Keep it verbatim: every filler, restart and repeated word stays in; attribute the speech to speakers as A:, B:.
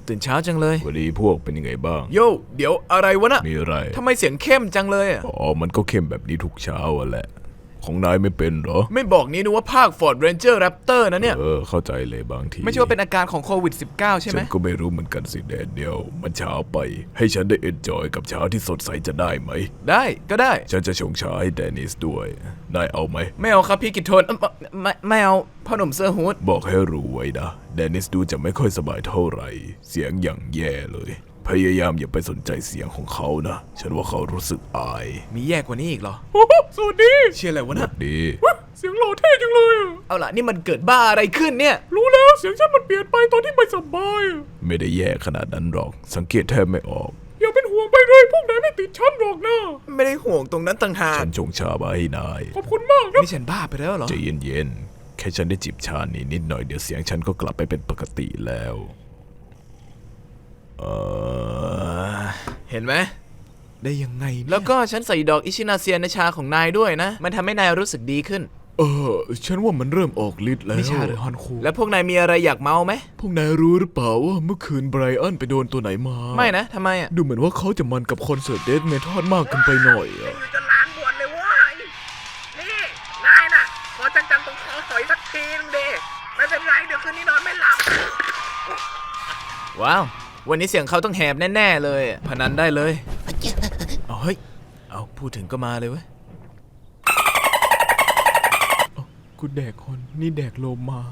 A: ตื่นเช้าจังเลย
B: วันนี้พวกเป็นยังไงบ้าง
A: โย่เดี๋ยวอะไรวะน่ะ
B: มีอะไร
A: ทำไมเสียงเข้มจังเลยอ่ะ
B: อ๋อมันก็เข้มแบบนี้ทุกเช้าอะแหละของนายไม่เป็นเหรอ
A: ไม่บอกนี้นึกว่าภาค Ford Ranger Raptor นะเนี่ย
B: เออเข้าใจเลยบางที
A: ไม่ใช่ว่าเป็นอาการของโควิด สิบเก้า ใช่ไหม
B: ฉันก็ไม่รู้เหมือนกันสิแดเนียลมันเช้าไปให้ฉันได้เอนจอยกับเช้าที่สดใสจะได้ไหม
A: ได้ก็ได้
B: ฉันจะชงชาให้แดนิสด้วยนายเอาไหม
A: ไม่เอาครับพี่กิตโทนเอ้อไม่ไม่เอาพ่อหนุ่มเสื้อฮูด
B: บอกให้รู้ไว้นะแดนิสดูจะไม่ค่อยสบายเท่าไหร่เสียงอย่างแย่เลยพยายามอย่าไปสนใจเสียงของเขานะฉันว่าเขารู้สึกอาย
A: มีแย่กว่านี้อีกเหรอ
C: สวัสดี
A: เชื่ออะไรวะ
B: หวั
A: น่ะ
B: ดดี
C: เสียงหล่อเท่จังเลยอะ
A: เอาล่ะนี่มันเกิดบ้าอะไรขึ้นเนี่ย
C: รู้แล้วเสียงฉันมันเปลี่ยนไปตอนที่ไม่สบายอะ
B: ไม่ได้แย่ขนาดนั้นหรอกสังเกตแทบไม่ออก
C: อย่าเป็นห่วงไปเลยพวกนายไม่ติดฉันหรอกนะ
A: ไม่ได้ห่วงตรงนั้นต่างหาก
B: ฉันชงชามาให้นาย
C: ขอบคุณมากนะ
A: นี่ฉันบ้าไปแล้วเหรอ
B: ใจเย็นๆแค่ฉันได้จิบชานี่นิดหน่อยเดี๋ยวเสียงฉันก็กลับไปเป็นปกติแล้วเออ
A: เห็นไหมได้ยังไงแล้วก็ฉันใส่ดอกอิชินาเซียในชาของนายด้วยนะ มันทำให้นายรู้สึกดีขึ้น
B: เออฉันว่ามันเริ่มออกฤทธิ์แล้ว
A: ไม่ใช่หรือ
B: ฮันคู
A: แล้วพวกนายมีอะไรอยากเมาไหม
B: พวกนายรู้หรือเปล่าว่าเมื่อคืนไบรอันไปโดนตัวไหนมา
A: ไม่นะทำไมอ่ะ
B: ดูเหมือนว่าเขาจะมันกับคอนเสิร์ตเดธเมทัลมากเกินไปหน่อยอะ
D: อยู่จะล้างบวชเลยเว้ยนี่นายน่ะขอจังๆตรงคอหอยสักทีนึงดิไม่เป็นไรเดี๋ยวคืนนี้นอนไม่หลับ
A: ว้าววันนี้เสียงเขาต้องแหบแน่ๆเลยพนันได้เลยเอาเฮ้ยเอาพูดถึงก็มาเลยเว้ย
C: กูแดกคนนี่แดกโลมา